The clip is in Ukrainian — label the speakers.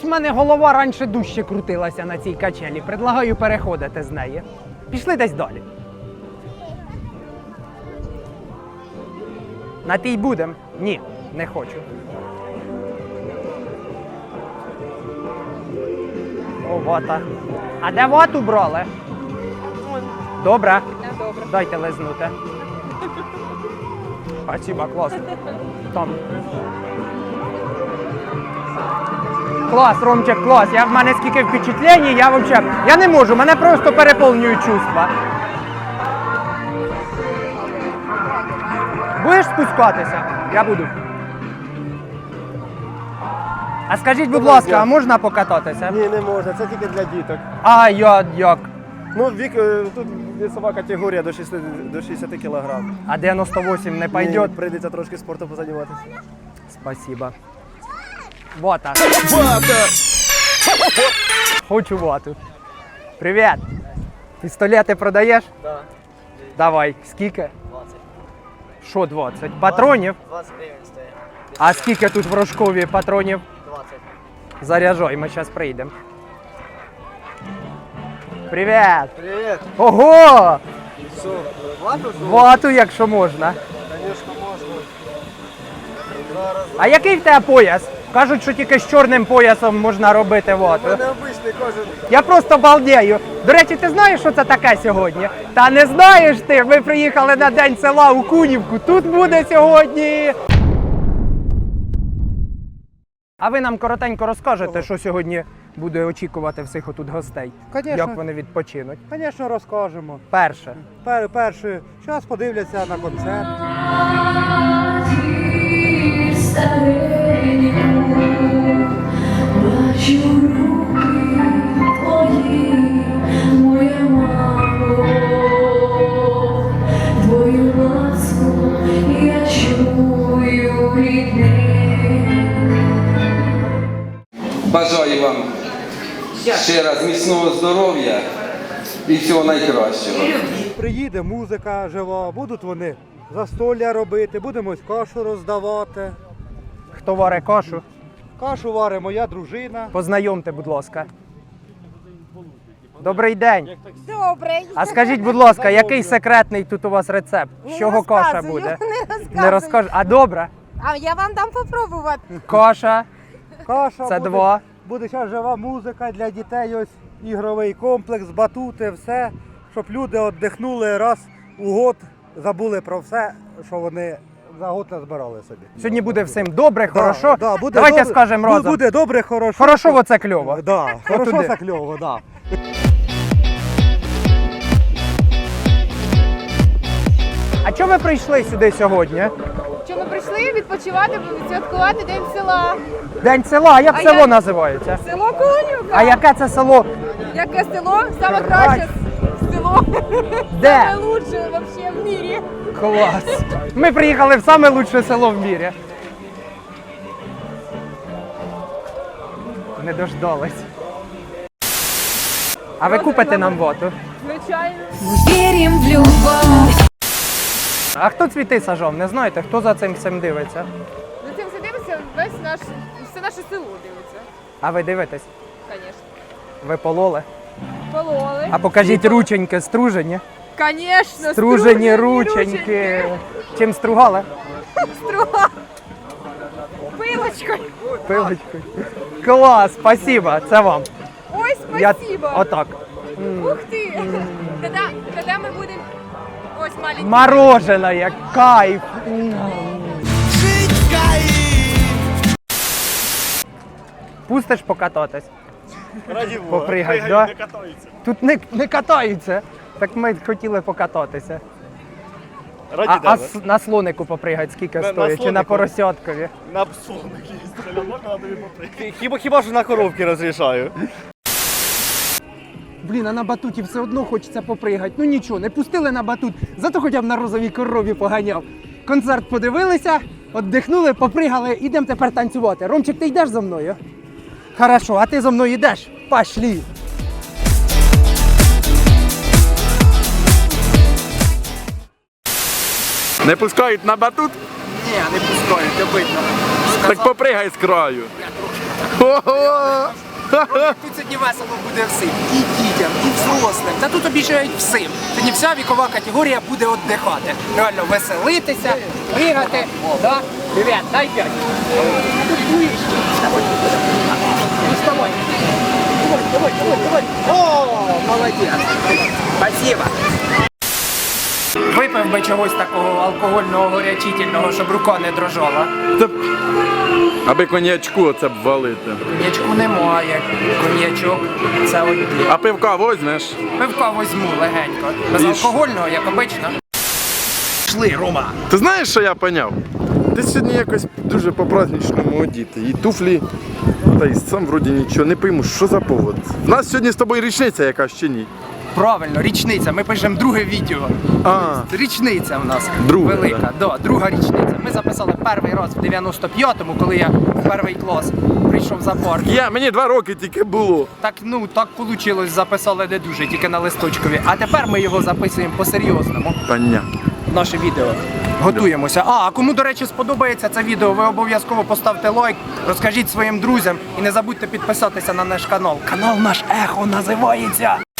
Speaker 1: Щось в мене голова раніше дужче крутилася на цій качелі. Предлагаю переходити з неї. Пішли десь далі. На тій будем? Ні, не хочу. О, вота. А де вату брали? Добре?
Speaker 2: Добре.
Speaker 1: Дайте лизнути. Спасибо, клас. Там. Клас, Ромчик, клас. В мене скільки впечатлень, я не можу, мене просто переповнюють чувства. Будеш спускатися? Я буду. А скажіть, будь ласка, а можна покататися?
Speaker 3: Ні, не можна, це тільки для діток.
Speaker 1: А як?
Speaker 3: Ну, тут весова категорія до 60 кг.
Speaker 1: А 98 не пойде?
Speaker 3: Прийдеться трошки спортом позайматися.
Speaker 1: Спасибо. Вата. Хочу вату. Привіт. Пістолети продаєш?
Speaker 3: Так.
Speaker 1: Давай. Скільки?
Speaker 3: 20.
Speaker 1: Що 20? Патронів?
Speaker 3: 20 гривень стоїть.
Speaker 1: А скільки тут в Рожкові патронів?
Speaker 3: 20.
Speaker 1: Заряджай, ми зараз прийдемо. Привіт.
Speaker 3: Привіт.
Speaker 1: Ого!
Speaker 3: Що, вату?
Speaker 1: Вату, якщо можна.
Speaker 3: Звісно, можна. Зараз.
Speaker 1: А який в тебе пояс? Кажуть, що тільки з чорним поясом можна робити
Speaker 3: У
Speaker 1: вату.
Speaker 3: мене обичний кожен.
Speaker 1: Я просто балдею. До речі, ти знаєш, що це таке сьогодні? Та не знаєш ти, ми приїхали на День села у Кунівку. Тут буде сьогодні. А ви нам коротенько розкажете, що сьогодні буде очікувати всіх отут гостей?
Speaker 4: Конечно.
Speaker 1: Як вони відпочинуть?
Speaker 4: Звісно, розкажемо.
Speaker 1: Перше.
Speaker 4: Перше, зараз подивляться на концерт.
Speaker 5: Бачу руки твої, моя мамо, твою ласку я чую рідний.
Speaker 6: Бажаю вам ще раз міцного здоров'я і всього найкращого.
Speaker 4: Приїде музика жива, будуть вони застолля робити, будемо ось кашу роздавати.
Speaker 1: Хто варить кашу?
Speaker 4: Кашу варить моя дружина.
Speaker 1: Познайомте, будь ласка. Добрий день.
Speaker 2: Добрий.
Speaker 1: А скажіть, будь ласка, який секретний тут у вас рецепт? З чого каша буде? Не розкажу. А добре?
Speaker 2: А я вам дам попробувати.
Speaker 1: Каша.
Speaker 4: Каша
Speaker 1: Це
Speaker 4: буде,
Speaker 1: два.
Speaker 4: Буде зараз жива музика для дітей, ось ігровий комплекс, батути, все, щоб люди віддихнули раз у год, забули про все, що вони за год назбирали собі.
Speaker 1: Сьогодні буде всім добре, хорошо.
Speaker 4: Да, буде
Speaker 1: Давайте
Speaker 4: добре,
Speaker 1: скажемо разом.
Speaker 4: Буде добре, хорошо.
Speaker 1: Хорошо, оце кльово.
Speaker 4: Да, хорошо,
Speaker 1: Отуди.
Speaker 4: це кльово, да.
Speaker 1: А чому ви прийшли сюди сьогодні?
Speaker 2: Що ми прийшли відпочивати, святкувати День села.
Speaker 1: День села, а як
Speaker 2: А
Speaker 1: село
Speaker 2: я-
Speaker 1: називається?
Speaker 2: Село Конюка.
Speaker 1: А яке це село?
Speaker 2: Яке село? Саме краще село.
Speaker 1: Де?
Speaker 2: Саме лучше вообще в мірі.
Speaker 1: Клас. Ми приїхали в саме лучше село в мірі. Не дождались. А ви купите нам вату?
Speaker 2: Звичайно.
Speaker 5: Вірім в любов.
Speaker 1: А хто цвіти сажав? Не знаєте, хто за цим всім дивиться?
Speaker 2: За цим все дивиться, все наше село дивиться.
Speaker 1: А ви дивитесь?
Speaker 2: Звісно.
Speaker 1: Ви пололи?
Speaker 2: Пололи.
Speaker 1: А покажіть рученьки стружені.
Speaker 2: Звісно,
Speaker 1: Стружені рученьки. Чим стругали?
Speaker 2: Струга. Пилочкою.
Speaker 1: Пилочкою. Клас, спасибо, це вам.
Speaker 2: Ой,
Speaker 1: Я
Speaker 2: спасибо.
Speaker 1: отак.
Speaker 2: Ух ты! Когда мы будем... Ось маленький.
Speaker 1: Мороженое, кайф. Пустиш покататись?
Speaker 3: Раді Бога.
Speaker 1: Попригать, да?
Speaker 3: Не катаються.
Speaker 1: Тут не катаються. Так ми хотіли покататися.
Speaker 3: Раді
Speaker 1: На слонику попригать скільки
Speaker 3: На
Speaker 1: стоїть? Чи на
Speaker 3: слонику?
Speaker 1: поросяткові?
Speaker 3: На псовники їздили, можна тобі попригати? Хіба що на коровки розрішаю.
Speaker 1: Блін, а на батуті все одно хочеться попригати. Ну нічого, не пустили на батут, зато хоча б на розовій корові поганяв. Концерт подивилися, віддихнули, попригали, ідемо тепер танцювати. Ромчик, ти йдеш за мною? Хорошо, а ти за мною йдеш? Пошли.
Speaker 7: Не пускають на батут?
Speaker 1: Ні, не пускають, обидно.
Speaker 7: Так попригай з краю.
Speaker 1: Я трошки
Speaker 7: Ого!
Speaker 1: Тут сьогодні весело буде всім. І дітям, і взрослим. Та тут обіцяють всім. Сьогодні вся вікова категорія буде віддихати. Реально веселитися, пригати. Да? Привіт, дай 5. Вставай. Давай. О, молодець. Спасибо. Випив би чогось такого алкогольного горячительного, щоб рука не дрожала.
Speaker 7: Аби коньячку оце б валити.
Speaker 1: Коньячку немає. Коньячок це один.
Speaker 7: А пивка возьмеш?
Speaker 1: Пивка возьму легенько. Безалкогольного, як обично. Пішли, Рома.
Speaker 7: Ти знаєш, що я поняв? Ти сьогодні якось дуже по-праздничному одіти. І туфлі, та й сам вроді нічого. Не пойму, що за повод. В нас сьогодні з тобою річниця якась чи ні?
Speaker 1: Правильно, річниця. Ми пишемо друге відео.
Speaker 7: А,
Speaker 1: Річниця в нас
Speaker 7: Друга,
Speaker 1: велика. Да, друга річниця. Ми записали перший раз в 95-му, коли я в перший клас прийшов за парк.
Speaker 7: мені 2 роки тільки було.
Speaker 1: Так вийшло, записали не дуже, тільки на листочкові. А тепер ми його записуємо по-серйозному.
Speaker 7: Понятно.
Speaker 1: Наше відео. Готуємося. А кому, до речі, сподобається це відео, ви обов'язково поставте лайк, розкажіть своїм друзям і не забудьте підписатися на наш канал. Канал наш Ехо називається.